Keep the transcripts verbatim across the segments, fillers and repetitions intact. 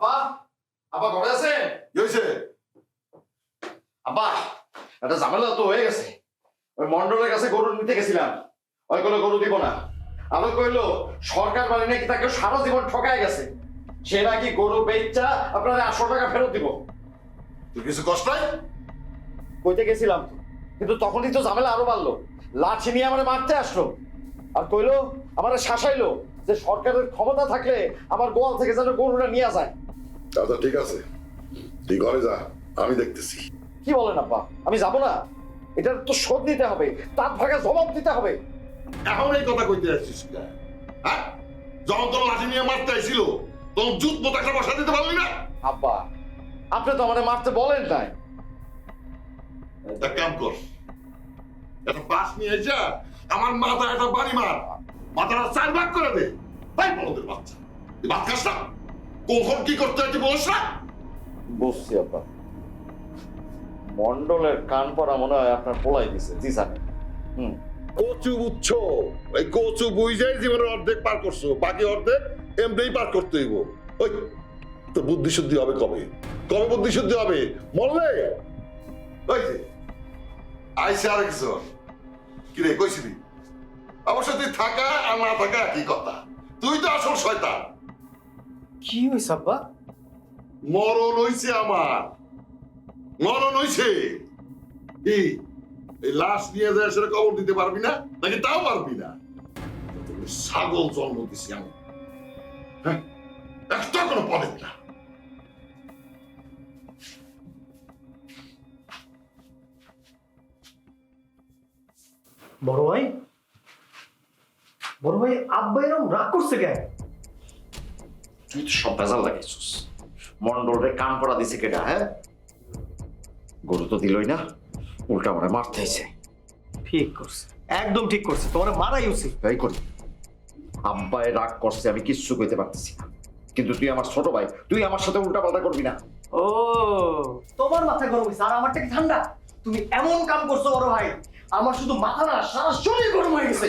আব্বা আব্বা ঘরে আছেন? কি হয়েছে? আব্বা একটা ঝামেলা তো হয়ে গেছে। ওই মন্ডলের কাছে গরু নিতে গেছিলাম, ওই কোনো গরু দিব না। আলো কইলো সরকার মানে নাকি তাকে সারা জীবন ঠকায় গেছে, সে নাকি গরু বেচা আপনার আটশো টাকা ফেরত দিব। তুই কিছু কষ্ট নাই? কইতে গেছিলাম তো, কিন্তু তখনই তো ঝামেলা আরো বাড়লো। লাঠি নিয়ে আমার মারতে আসলো আর কইলো আমার শাসাইলো যে সরকারের ক্ষমতা থাকলে আমার গোয়াল থেকে যেন গরুটা নিয়ে যায়। আচ্ছা ঠিক আছে, তুই ঘরে যা, আমি দেখতেছি। কি বলেন আব্বা, আমি যাব না? এটার তো শোধ নিতে হবে, তার ভাগে জবাব দিতে হবে। এখন এই কথা কইতে আসছিস কেন? হ্যাঁ, যখন তোর লাঠি নিয়ে মারতে আইছিল তখন জুত মতো একটা বসা দিতে পারলি না? আব্বা আপনি তো আমাদের মারতে বলেন নাই। এক কাম কর, একটা বাস নিয়ে যা আমার মাথা একটা বাড়ি মার, মাথাটা চার ভাগ করে দে। তাই বলদের বাচ্চা, তুই ভাত খাস না? কখন কি করতে হয় তুই বলিস না? বুঝছি আব্বা, মন্ডলের কান পড়া মনে হয় আপনার পোলাই দিছে। জি স্যার। হুম, কচু বুঝছ, এই কচু বুঝাই জীবনের অর্ধেক পার করছো, বাকি অর্ধেক এমনি পার করতে হইব। ওই তো বুদ্ধি শুদ্ধি হবে কবে? কবে বুদ্ধি শুদ্ধি হবে? মরলে ওই যে আইসে আরেকজন, কি রে কইছিলি? অবশ্য তুই থাকা আর না থাকা একই কথা, তুই তো আসল শয়তান। কি হইছে আব্বা? মরণ হইছে আমার, মরণ হইছে। কি এই লাশ নিয়ে যায় সেটা কবর দিতে পারবি না নাকি? তাও পারবি না? তুমি ছাগল জন্ম দিছি আমি, হ্যাঁ, একটা কোনো পরে না। বড় ভাই, বড় ভাই আব্বা এরকম রাগ করছে কেন? তুই তো সব ভেজাল লাগাইছিস। মন্ডলের কান পড়া দিছে কেটা? হ্যাঁ, গরু তো দিলই না, উল্টা আমার মারতে হয়েছে। ঠিক করছে, একদম ঠিক করছে, তোমার মারাই উচিত। তাই করি। আব্বায় রাগ করছে, আমি কিচ্ছু কইতে পারতেছি না, কিন্তু তুই আমার ছোট ভাই, তুই আমার সাথে উল্টা পাল্টা করবি না। ও, তোমার মাথা গরম হয়েছে আর আমারটা কি ঠান্ডা? তুমি এমন কাম করছো বড় ভাই, আমার শুধু মাথা না সারা শরীর গরম হয়ে গেছে।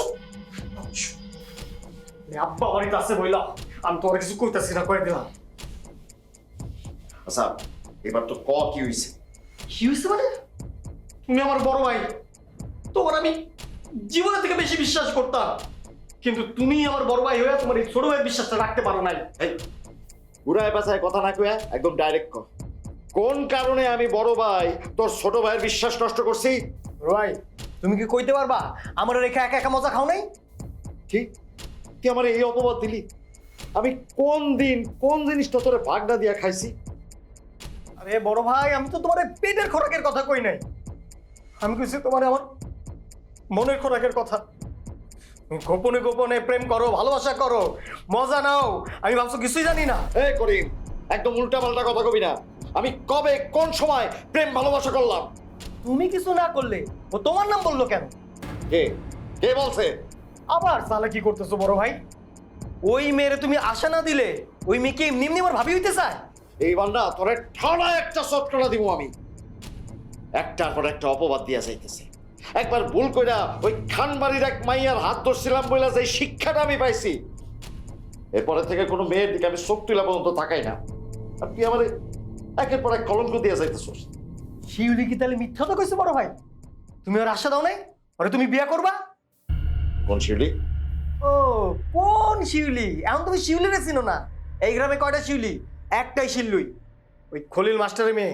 আব্বা বাড়িতে আছে বইলা আমি তোমার কিছু কইতাছি না, কয়ে দিলাম। আচ্ছা এবার তো ক কি হইছে? কি হয়েছে মানে? তুমি আমার বড় ভাই, তোমার আমি জীবনের থেকে বেশি বিশ্বাস করতাম, কিন্তু তুমি আমার বড় ভাই হয়ে তোমার এই ছোট ভাইয়ের বিশ্বাসটা রাখতে পারো নাই। এই পুরায় পাছায় কথা না কইয়া একদম ডাইরেক্ট ক, কোন কারণে আমি বড় ভাই তোর ছোট ভাইয়ের বিশ্বাস নষ্ট করছি? ভাই তুমি কি কইতে পারবা আমার রেখা একা একা মজা খাও নাই? ঠিক, তুই আমার এই অপবাদ দিলি। আমি কোন দিন কোন জিনিসটা তোরে ভাগনা দিয়া খাইছি? আরে বড় ভাই, আমি তো তোমার এই পেটের খোরাকের কথা কই নাই, আমি কইছি তোমার আমার মনের খোরাকের কথা। তুমি গোপনে গোপনে প্রেম করো, ভালোবাসা করো, মজা নাও, আমি ভাবছো কিছুই জানি না। এই করিম, একদম উল্টা পাল্টা কথা কবি না। আমি কবে কোন সময় প্রেম ভালোবাসা করলাম? তুমি কিছু না করলে ও তোমার নাম বললো কেন? কে কে বলছে? আবার সালা কি করতেছো বড় ভাই? ওই মেয়েরে তুমি আশা না দিলে ওই মেয়েকে এমনি এমনি আমার ভাবি হইতে চায়। এইবার না তোরে ঠাড়া একটা চটকনা দিব আমি। একটার পর একটা অপবাদ দিয়া যাইতেছে। একবার ভুল কইরা ওই খানবাড়ির এক মাইয়ার হাত ধরছিলাম বইলা যে শিক্ষাটা আমি পাইছি, এরপরে থেকে কোনো মেয়ের দিকে আমি চোখ তুলা পর্যন্ত তাকাই না। আর তুই আমার একের পর এক কলঙ্ক দিয়া যাইতেছিস। শিউলি কি তাহলে মিথ্যা তো কইছে বড় ভাই? তুমি ওর আশা দাও নাই ওরে তুমি বিয়ে করবা? কোন শিউলি? ও, কোন শিউলি? এখন তুমি শিউলিরে চিনো না? এই গ্রামে কয়টা শিউলি? একটাই শিল্লুই, ওই খলিল মাস্টারের মেয়ে।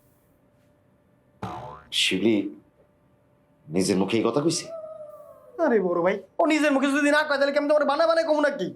শিউলি নিজের মুখে এই কথা কইছে? আরে বড় ভাই, ও নিজের মুখে যদি না কয় তাহলে কেমন তোমার বানা বানায় কমু নাকি?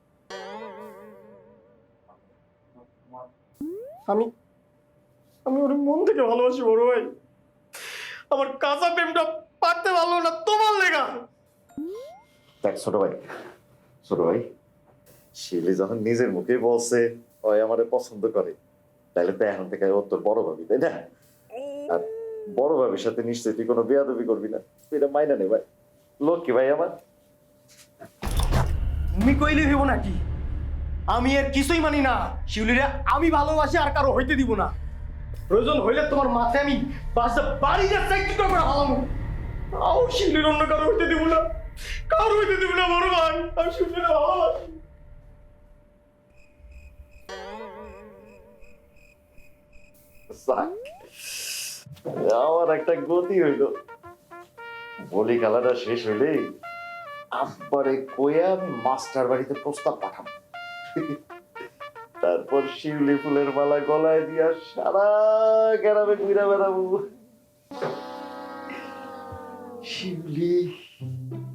আমি আমি ওর মন থেকে ভালোবাসি বড় ভাই, আমার কাঁচা প্রেমটা পারতে পারলো না তোমার লেগা। দেখ ছোট ভাই, ছোট ভাই, শিউলি যখন নিজের মুখে বলছে ওই আমারে পছন্দ করে, তাহলে তো এখন থেকে ও তোর বড় ভাবি, তাই না? আর বড় ভাবির সাথে নিশ্চয়ই তুই কোনো বেয়াদবি করবি না, তুই এটা মাইনা নে ভাই। লক্ষ্মী ভাই আমার। তুমি কইলে হইব নাকি? আমি আর কিছুই মানি না। শিউলিরা আমি ভালোবাসি আর কারো হইতে দিব না। প্রয়োজন হইলে তোমার মাথায় আমি বাসা বাড়ি যাচ্ছে কি করে হালামু, তাও শিউলির অন্য কারো হইতে দিব না, কারো হইতে দিব না বড় ভাই। আমি শিউলিরা ভালোবাসি। যাক, আমার একটা গতি হইল। বলি খেলাটা শেষ হইলে আব্বারে কইয়া আমি মাস্টার বাড়িতে প্রস্তাব পাঠাবো। তারপর শিউলি ফুলের মালা গলায় দিয়া সারা গ্রামে ঘুরে বেড়াবো। শিউলি